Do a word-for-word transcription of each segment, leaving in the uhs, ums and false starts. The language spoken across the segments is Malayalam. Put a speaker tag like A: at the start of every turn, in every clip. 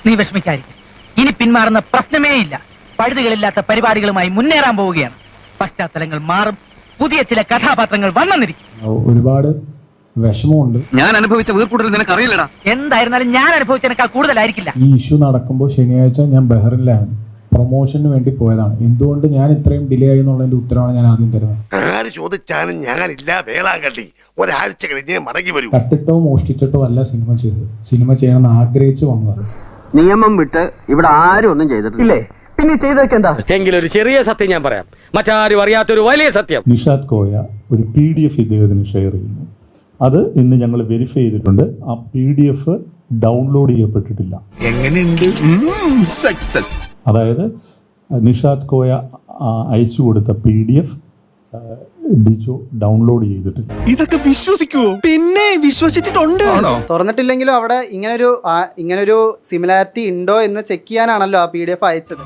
A: നീ വിഷമിക്കാതിരിക്കും. ഇനി പിന്മാറുന്ന പ്രശ്നമേ ഇല്ല. പഴുതുകളില്ലാത്ത പരിപാടികളുമായി മുന്നേറാൻ പോവുകയാണ്. പശ്ചാത്തലങ്ങൾ മാറും, പുതിയ ചില കഥാപാത്രങ്ങൾ വന്നെന്നിരിക്കും.
B: ഒരുപാട് വിഷമമുണ്ട്.
C: ഞാൻ അനുഭവിച്ച വീർക്കൂടൽ നിനക്ക് അറിയില്ലടാ.
A: എന്തായിരുന്നാലും ഞാൻ അനുഭവിച്ചതിനേക്കാൾ കൂടുതലായിരിക്കില്ല.
B: ഈ ഇഷ്യൂ നടക്കുമ്പോൾ ശനിയാഴ്ച ഞാൻ ബഹ്റിനിലാണ്, പ്രൊമോഷന് വേണ്ടി പോയതാണ്. എന്തുകൊണ്ട് ഞാൻ ഇത്രയും ഡിലേ ആയി എന്നുള്ളതിന്റെ ഉത്തരവാണ് ഞാൻ ആദ്യം തരുന്നത്.
D: ആര് ചോദിച്ചാലും ഞാനില്ല, വേളാങ്കണ്ണി ഒരാഴ്ച കഴിഞ്ഞ് മടങ്ങി വരും.
B: കട്ടിട്ടോ മോഷ്ടിച്ചിട്ടോ അല്ല സിനിമ ചെയ്തത്, സിനിമ ചെയ്യണമെന്ന് ആഗ്രഹിച്ചു വന്നതാണ്.
E: നിയമം വിട്ട് ഇവിടെ ആരും ഒന്നും ചെയ്തിട്ടില്ലേ? പിന്നെ ചെയ്തൊക്കെ എന്താ?
F: എങ്കിലും ഒരു ചെറിയ സത്യം ഞാൻ പറയാം, മറ്റാരും അറിയാത്തൊരു വലിയ സത്യം.
G: നിഷാദ് കോയ ഒരു പി ഡി എഫ് ഇദ്ദേഹത്തിന് ഷെയർ ചെയ്യുന്നു. അത് ഇന്ന് ഞങ്ങൾ വെരിഫൈ ചെയ്തിട്ടുണ്ട്. ആ പി ഡി എഫ് ഡൗൺലോഡ് ചെയ്യപ്പെട്ടിട്ടില്ല.
D: എങ്ങനെയുണ്ട്?
G: അതായത് നിഷാദ് കോയ അയച്ചു കൊടുത്ത P D F Dijo download ചെയ്തിട്ടില്ല.
H: ഇതൊക്കെ വിശ്വസിക്കുവോ? പിന്നെ വിശ്വസിച്ചിട്ടുണ്ട്.
I: തുറന്നിട്ടില്ലെങ്കിലും അവിടെ ഇങ്ങനൊരു ഇങ്ങനൊരു സിമിലാരിറ്റി ഉണ്ടോ എന്ന് ചെക്ക് ചെയ്യാനാണല്ലോ ആ പി ഡി എഫ് അയച്ചത്.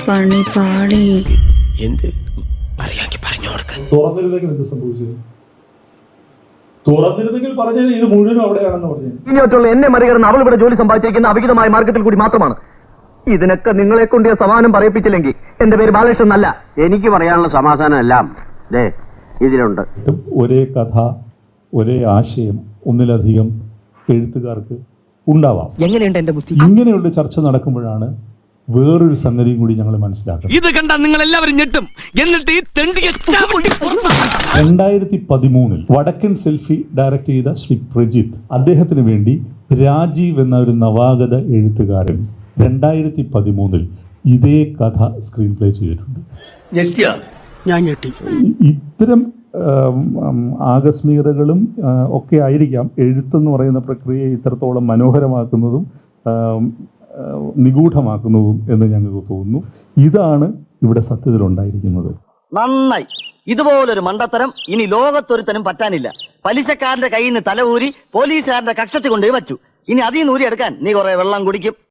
G: തുറന്നിരുന്നെങ്കിൽ എന്ത് സംഭവിച്ചത്? തുറന്നിരുന്നെങ്കിൽ പറഞ്ഞത് ഇത് മുഴുവനും അവിടെയാണെന്ന് പറഞ്ഞു.
E: ഇനിയോട്ടുള്ള എന്നെ മറികടന്ന് അവൾ ഇവിടെ ജോലി സമ്പാദിച്ചിരിക്കുന്ന അവിഹിതമായ മാർഗത്തിൽ കൂടി മാത്രമാണ്. ഇതിനൊക്കെ നിങ്ങളെ കൊണ്ട് സമാധാനം പറയിപ്പിച്ചില്ലെങ്കിൽ എന്റെ പേര് ബാലകൃഷ്ണൻ അല്ല. എനിക്ക് പറയാനുള്ള സമാധാനം എല്ലാം ഇതിലുണ്ട്.
G: ഒരേ കഥ, ഒരേ ആശയം ഒന്നിലധികം എഴുത്തുകാർക്ക് ഉണ്ടാവാം.
A: എങ്ങനെയുണ്ട് എന്റെ ബുദ്ധി?
G: ഇങ്ങനെയുള്ള ചർച്ച നടക്കുമ്പോഴാണ് വേറൊരു സംഗതിയും കൂടി ഞങ്ങൾ മനസ്സിലാക്കുന്നത്.
F: ഇത് കണ്ട നിങ്ങൾ എല്ലാവരും ഞെട്ടും. എന്നിട്ട് ഈ തെണ്ടിയെ
G: രണ്ടായിരത്തി പതിമൂന്നിൽ വടക്കൻ സെൽഫി ഡയറക്ട് ചെയ്ത ശ്രീ പ്രജിത്ത്, അദ്ദേഹത്തിന് വേണ്ടി രാജീവ് എന്ന ഒരു നവാഗത എഴുത്തുകാരൻ രണ്ടായിരത്തി പതിമൂന്നിൽ ഇതേ കഥ സ്ക്രീൻ പ്ലേ ചെയ്തിട്ടുണ്ട്.
H: ഞാൻ ഞെട്ടി.
G: ഇത്തരം ആകസ്മികതകളും ഒക്കെ ആയിരിക്കാം എഴുത്തെന്ന് പറയുന്ന പ്രക്രിയയെ ഇത്രത്തോളം മനോഹരമാക്കുന്നതും നിഗൂഢമാക്കുന്നതും എന്ന് ഞങ്ങൾക്ക് തോന്നുന്നു. ഇതാണ് ഇവിടെ സത്യത്തിലുണ്ടായിരിക്കുന്നത്.
E: നന്നായി. ഇതുപോലൊരു മണ്ടത്തരം ഇനി ലോകത്തൊരുത്തനും പറ്റാനില്ല. പലിശക്കാരന്റെ കയ്യിൽ നിന്ന് തല ഊരി പോലീസുകാരന്റെ കക്ഷത്തി കൊണ്ടുപോയി വച്ചു. ഇനി അതിൽ നിന്ന് ഊരി എടുക്കാൻ നീ കുറെ വെള്ളം കുടിക്കും.